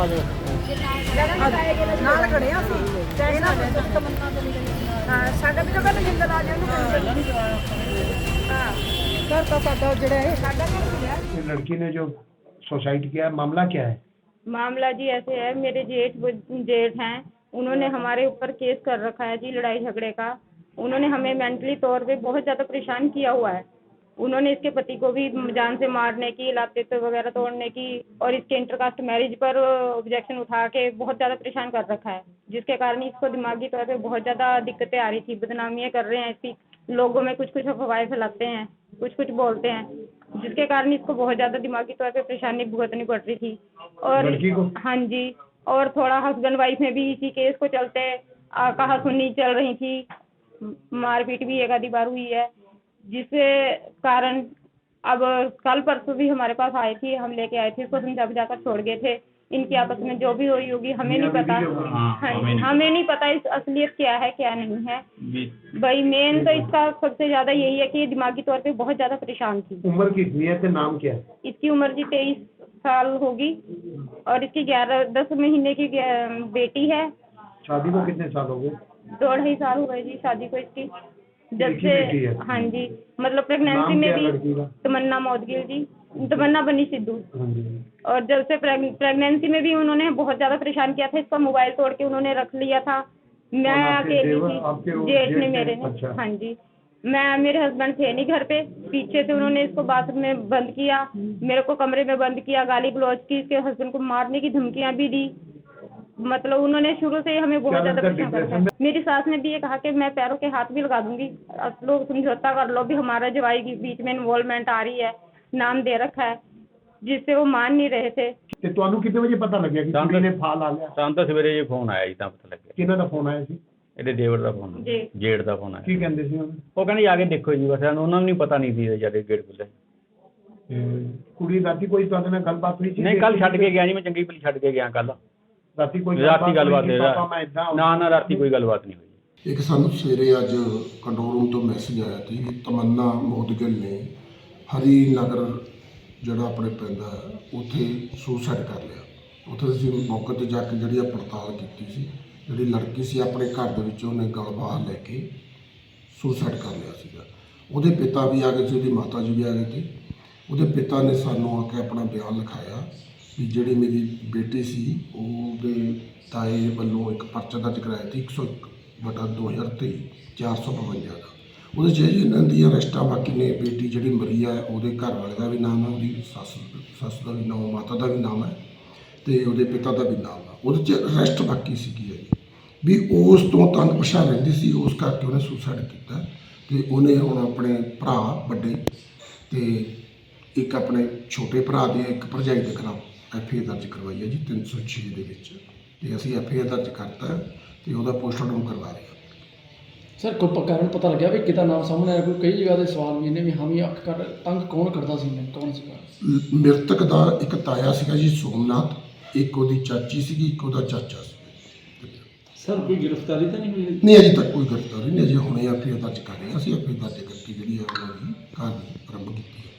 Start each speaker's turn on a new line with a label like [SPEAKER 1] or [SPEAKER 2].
[SPEAKER 1] ਨਾਲ ਖੜੇ ਆ ਅਸੀਂ ਇਹਨਾਂ ਦੇ ਤਮੰਨਾ ਦੇ ਹਾਂ ਸਾਡਾ ਵੀ ਤਾਂ ਕਹਿੰਦੇ ਜਿੰਦਾ ਲਾ ਜਾਣ ਹਾਂ ਘਰ ਤਾਂ ਸਾਡਾ ਜਿਹੜਾ ਹੈ ਸਾਡਾ ਘਰ ਹੀ ਹੈ।
[SPEAKER 2] लड़की ने जो सुसाइड किया मामला क्या है?
[SPEAKER 3] मामला जी ऐसे है, मेरे जेठ हैं, उन्होंने हमारे ऊपर केस कर रखा है जी लड़ाई झगड़े का। उन्होंने हमें मेंटली तौर पे बहुत ज़्यादा परेशान किया हुआ है। उन्होंने इसके पति को भी जान से मारने की, लाते वगैरह तोड़ने की और इसके इंटरकास्ट मैरिज पर ऑब्जेक्शन उठा के बहुत ज़्यादा परेशान कर रखा है, जिसके कारण इसको दिमागी तौर पे बहुत ज़्यादा दिक्कतें आ रही थी। बदनामियाँ कर रहे हैं इसकी, लोगों में कुछ कुछ अफवाहें फैलाते हैं, कुछ कुछ बोलते हैं, जिसके कारण इसको बहुत ज़्यादा दिमागी तौर पे परेशानी भुगतनी पड़ रही थी। और हाँ जी, और थोड़ा हस्बैंड वाइफ में भी इसी केस को चलते कहासुनी चल रही थी, मारपीट भी एक आधी बार हुई है, जिसके कारण अब कल परसों भी हमारे पास आई थी, हम लेके आए थे, इसको समझा बुझाकर छोड़ गए थे। इनकी आपस में जो भी हुई होगी हमें नहीं पता। हाँ, हमें नहीं पता इस असलियत क्या है क्या नहीं है। भाई मेन तो इसका सबसे ज्यादा यही है कि ये दिमागी तौर पे बहुत ज्यादा परेशान थी।
[SPEAKER 2] उम्र कितनी है? नाम क्या है?
[SPEAKER 3] इसकी उम्र जी 23 साल होगी और इसकी 10 महीने की बेटी है।
[SPEAKER 2] शादी को कितने साल हो गए?
[SPEAKER 3] 2-2.5 साल हो गए जी शादी को इसकी। जब
[SPEAKER 2] एक ही
[SPEAKER 3] से
[SPEAKER 2] बेटी है?
[SPEAKER 3] हाँ जी, मतलब प्रेगनेंसी में भी तमन्ना मौदगिल जी, तमन्ना बनी सिद्धू। और जब से प्रेगनेंसी में भी उन्होंने बहुत ज्यादा परेशान किया था। इसका मोबाइल तोड़ के उन्होंने रख लिया था। मैं अकेली थी, जेठ ने मेरे ने।
[SPEAKER 2] अच्छा।
[SPEAKER 3] हाँ जी, मेरे हस्बैंड थे नहीं घर पे, पीछे से उन्होंने इसको बाथरूम में बंद किया, मेरे को कमरे में बंद किया, गाली गलौज की, इसके हस्बैंड को मारने की धमकियां भी दी। मतलब उन्होंने शुरू से ही हमें बहुत ज्यादा परेशान कर रखा है। मेरी सास ने भी ये कहा कि मैं पैरों के हाथ भी लगा दूंगी, अब लोग समझौता कर लो, भी हमारा जवाई के बीच में इन्वॉल्वमेंट आ रही है, नाम दे रखा है, जिससे वो मान नहीं रहे थे।
[SPEAKER 2] ਤੇ ਤੁਹਾਨੂੰ ਕਿੰਨੇ ਵਜੇ ਪਤਾ ਲੱਗਿਆ ਕਿ ਕੁੜੀ ਨੇ ਫਾਲ ਆ ਲਿਆ?
[SPEAKER 4] ਸਾਨੂੰ ਤਾਂ ਸਵੇਰੇ ਇਹ ਫੋਨ ਆਇਆ ਜੀ, ਤਾਂ ਪਤਾ ਲੱਗਿਆ।
[SPEAKER 2] ਕਿਹਨਾਂ ਦਾ ਫੋਨ ਆਇਆ ਸੀ?
[SPEAKER 4] ਇਹਦੇ ਦੇਵਰ ਦਾ ਫੋਨ,
[SPEAKER 3] ਜੀ
[SPEAKER 4] ਜੇਠ ਦਾ ਫੋਨ ਆਇਆ।
[SPEAKER 2] ਕੀ ਕਹਿੰਦੇ ਸੀ ਉਹ?
[SPEAKER 4] ਉਹ ਕਹਿੰਦੇ ਆ ਕੇ ਦੇਖੋ ਜੀ, ਬਸ ਸਾਨੂੰ ਉਹਨਾਂ ਨੂੰ ਨਹੀਂ ਪਤਾ ਨਹੀਂ ਸੀ ਜਦ ਗੇਟ ਖੁੱਲ੍ਹੇ।
[SPEAKER 2] ਕੁੜੀ ਰਾਤੀ ਕੋਈ ਤੁਹਾਡੇ ਨਾਲ ਗੱਲਬਾਤ ਹੋਈ ਸੀ?
[SPEAKER 4] ਨਹੀਂ, ਕੱਲ ਛੱਡ ਕੇ ਗਿਆ ਜੀ, ਮੈਂ ਚੰਗੀ ਭਲੀ ਛੱਡ ਕੇ ਗਿਆ ਕੱਲ।
[SPEAKER 2] ਰਾਤੀ ਕੋਈ
[SPEAKER 4] ਗੱਲਬਾਤ ਨਾ ਰਾਤੀ ਕੋਈ ਗੱਲਬਾਤ ਨਹੀਂ ਹੋਈ।
[SPEAKER 5] ਇੱਕ ਸਾਨੂੰ ਸਵੇਰੇ ਅੱਜ ਕੰਟਰੋਲ ਰੂਮ ਤੋਂ ਮੈਸੇਜ ਆਇਆ ਸੀ ਕਿ ਤਮੰਨਾ ਮੌਦਗਿਲ ਨੇ ਹਰੀ ਨਗਰ ਜਿਹੜਾ ਆਪਣੇ ਪੈਂਦਾ ਉੱਥੇ ਸੁਸਾਈਡ ਕਰ ਲਿਆ। ਉੱਥੇ ਅਸੀਂ ਮੌਕੇ 'ਤੇ ਜਾ ਕੇ ਜਿਹੜੀ ਪੜਤਾਲ ਕੀਤੀ ਸੀ, ਜਿਹੜੀ ਲੜਕੀ ਸੀ ਆਪਣੇ ਘਰ ਦੇ ਵਿੱਚ ਉਹਨੇ ਗਲ ਬਾਹਰ ਲੈ ਕੇ ਸੁਸਾਈਡ ਕਰ ਲਿਆ ਸੀਗਾ। ਉਹਦੇ ਪਿਤਾ ਵੀ ਆ ਗਏ ਸੀ, ਉਹਦੀ ਮਾਤਾ ਜੀ ਵੀ ਆ ਗਏ ਸੀ। ਉਹਦੇ ਪਿਤਾ ਨੇ ਸਾਨੂੰ ਆ ਕੇ ਆਪਣਾ ਬਿਆਨ ਲਿਖਾਇਆ ਵੀ ਜਿਹੜੀ ਮੇਰੀ ਬੇਟੀ ਸੀ ਉਹਦੇ ਤਾਏ ਵੱਲੋਂ ਇੱਕ ਪਰਚਾ ਦਰਜ ਕਰਾਇਆ ਸੀ 101/2023 452 ਦਾ। ਉਹਦੇ 'ਚ ਇਹਨਾਂ ਦੀ ਅਰੈਸਟਾਂ ਬਾਕੀ ਨੇ। ਬੇਟੀ ਜਿਹੜੀ ਮਰੀ ਆ ਉਹਦੇ ਘਰ ਵਾਲੇ ਦਾ ਵੀ ਨਾਮ ਹੈ, ਉਹਦੀ ਸੱਸ ਦਾ ਵੀ ਨਾਮ, ਮਾਤਾ ਦਾ ਵੀ ਨਾਮ ਹੈ ਅਤੇ ਉਹਦੇ ਪਿਤਾ ਦਾ ਵੀ ਨਾਮ ਹੈ। ਉਹਦੇ 'ਚ ਅਰੈਸਟ ਬਾਕੀ ਸੀਗੀ ਵੀ ਉਸ ਤੋਂ ਤੰਗ ਪਛਾਣ ਰਹਿੰਦੀ ਸੀ, ਉਸ ਕਰਕੇ ਉਹਨੇ ਸੁਸਾਈਡ ਕੀਤਾ। ਅਤੇ ਉਹਨੇ ਹੁਣ ਆਪਣੇ ਭਰਾ ਵੱਡੇ ਅਤੇ ਇੱਕ ਆਪਣੇ ਛੋਟੇ ਭਰਾ ਦੇ ਇੱਕ ਭਰਜਾਈ ਦੇ ਖਿਲਾਫ FIR ਦਰਜ ਕਰਵਾਈ ਹੈ ਜੀ 306 ਦੇ ਵਿੱਚ। ਅਤੇ ਅਸੀਂ FIR ਦਰਜ ਕਰਤਾ ਅਤੇ ਉਹਦਾ ਪੋਸਟਮਾਰਟਮ ਕਰਵਾ ਰਹੇ ਹਾਂ।
[SPEAKER 6] सर को कारण पता लगे भी कितना नाम सामने आया? कोई कई जगह के सवाल भी ने भी हम ही अख कर तंग कौन करता सी, कौन सी?
[SPEAKER 5] ਮ੍ਰਿਤਕ ਦਾ ਇੱਕ ਤਾਇਆ ਸੀਗਾ ਜੀ ਸੋਮਨਾਥ, ਇੱਕ ਉਹਦੀ ਚਾਚੀ ਸੀਗੀ, ਇੱਕ ਉਹਦਾ ਚਾਚਾ ਸੀ।
[SPEAKER 6] सर कोई गिरफ्तारी तो नहीं हुई?
[SPEAKER 5] ਨਹੀਂ ਅਜੇ ਤੱਕ ਕੋਈ ਗ੍ਰਿਫਤਾਰੀ ਨਹੀਂ। ਅਜੇ ਹੁਣੇ FIR ਦਰਜ ਕਰ ਰਹੇ ਹਾਂ ਅਸੀਂ। FIR ਦਰਜ ਕਰਕੇ ਜਿਹੜੀ ਹੈ ਉਹਨਾਂ ਦੀ ਕਾਰਵਾਈ ਆਰੰਭ ਕੀਤੀ।